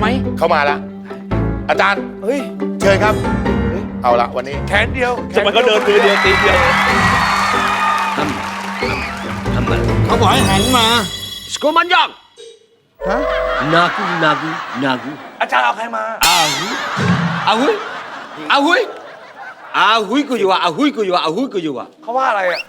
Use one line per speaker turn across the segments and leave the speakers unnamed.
ไหม
เข้ามาแล้วอาจารย์เฮ้ยเชิญครับเอาละวันนี้
แขนเดียว
ทำไมก็เดินมือเดียวตีเดียว
ทำมัน
เขาบอกให้หันมา
สโกมันยองนากู
อาจารย์เอาใครมา
อาหุยกูอยู่อ่ะอ่ะ
เขาว่าอะไรอ่ะ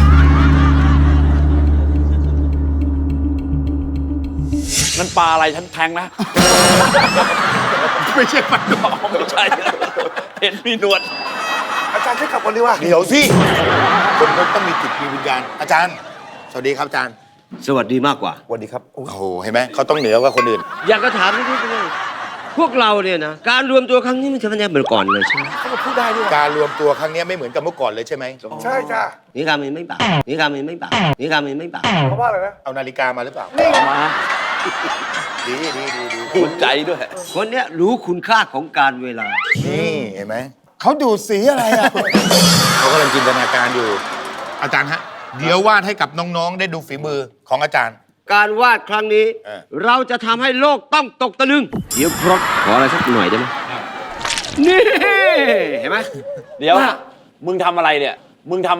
นั่นปลาอะไรฉันแทงนะ
ไม่ใช่ปันดอก
ไม่ใช่เห็นมีหนวด
อาจารย์ช่วยกลับก่อนดีกว่า
เดี๋ยวสิคนเขาต้องมีจิตมีวิญญาณอาจารย์สวัสดีครับอาจารย์
สวัสดีมากกว่า
สวัสดีครับ
โอ้โหเห็นไหมเขาต้องเหนือกว่าคนอื่น
อยากจะถามนิดนึงพวกเราเนี่ยนะการรวมตัวครั้งนี้มันจะไม่ได้เหมือนก่อนเลยใช่ไหม
เขาก็พูดได้ด้วย
การรวมตัวครั้งนี้ไม่เหมือนกับเมื่อก่อนเลยใช่ไหม
ใช่จ้ะ
นี่การมันไม่บานี่การมันไม่บา
เขาว่าอะไรนะ
เอานาฬิกามาหรือเปล่า
มา
ดี
ภูมิใจด้วย
คนเนี้ยรู้คุณค่าของการเวลา
นี่เห็นไหมเขาดูดสีอะไรอ่ะ เขากำลังจินตนาการอยู่ อาจารย์ฮะเดี๋ยววาดให้กับน้องๆได้ดูฝีมือของอาจารย์
การวาดครั้งนี้ เราจะทำให้โลกต้องตกตะลึง เดี๋ยวพรตขออะไรสักหน่อยได้ไหมนี่เห็นไหม
เดี๋ยวมึงทำอะไรเนี่ย
ไม่ใช่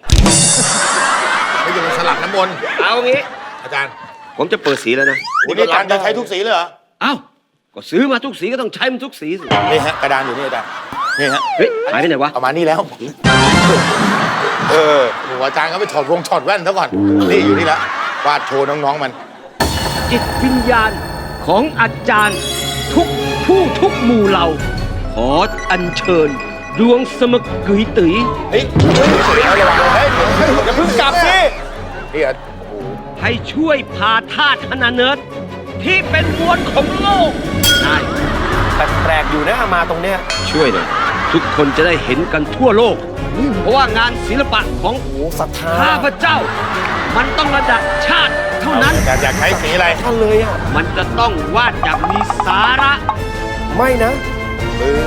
มันสลับน้ำมนต์
เอางี้
อาจารย์
ผมจะเปิดสีแล้วนะ
นี่อาจารย์จะใช้ทุกสีเลยเหรอ
เอ้าก็ซื้อมาทุกสีก็ต้องใช้มันทุกสีสิ
นี่ฮะกระดานอยู่นี่อาจารย์นี่ฮะ
เฮ้ยหายไปไหนวะ
เอามานี่แล้ว โอ้โหอาจารย์เขาไปถอดแว่นซะก่อน นี่อยู่นี่แล้ววาดโชว์น้องๆมัน
จิตวิญญาณของอาจารย์ทุกผู้ทุกหมู่เหล่าขออัญเชิญดวงสมกุยตือ
เฮ้ยระวังเฮ้ยอย่าเพิ่งกลับสินี่อ่ะ
ให้ช่วยพาธาตุฮานาเนิร์ดที่เป็นมวลของโลกได้
แปลกๆอยู่นะมาตรงเนี้ย
ช่วยหน่อยทุกคนจะได้เห็นกันทั่วโลก เพราะว่างานศิลปะของ
โอ้ศรัทธา
ข้าพเจ้า มันต้องระดับชาติเท่านั้น
อาจารย์อยากใช้สีอะไร
ท่านเลยอ่ะ
มันจะต้องวาดอย่างมีสาระ
ไม่นะ
มือ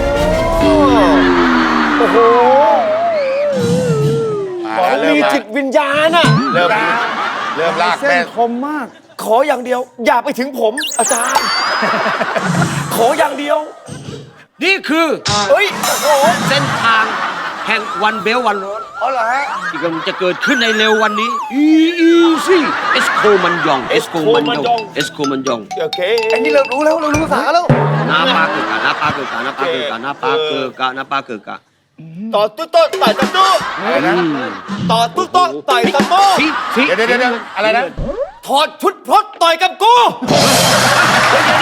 โอ้โห
มา
ขอ
แล้วเริ่
มี
มละ
จิตวิญญาณอ่ะ
เริ่มลาก
เส้
แม่
นคมมาก ขออย่างเดียว อย่าไปถึงผม อาจารย์ ขออย่างเดียว
นี่คือ
เฮ้ย โอ้โห
เส้นทางแห่งวันเบลวันโรด
อ๋อเหรอฮะ
ที่กำลังจะเกิดขึ้นในเร็ววันนี้ซี่เอสโคมันยอง
เอสโคมันยอง โอเคอันนี้เรารู้แล้ว เรารู้ภาษาแล้ว
นาปาเกิดกะ
ต่อตุ๊ดต่อยตะตุ๊ด
อะไรนะ
ต่อตุ๊ดต่อยตะโต้
ฟิ
เดี๋ยวอะไรนะ
ถอดชุดพรตต่อยกับกู
เ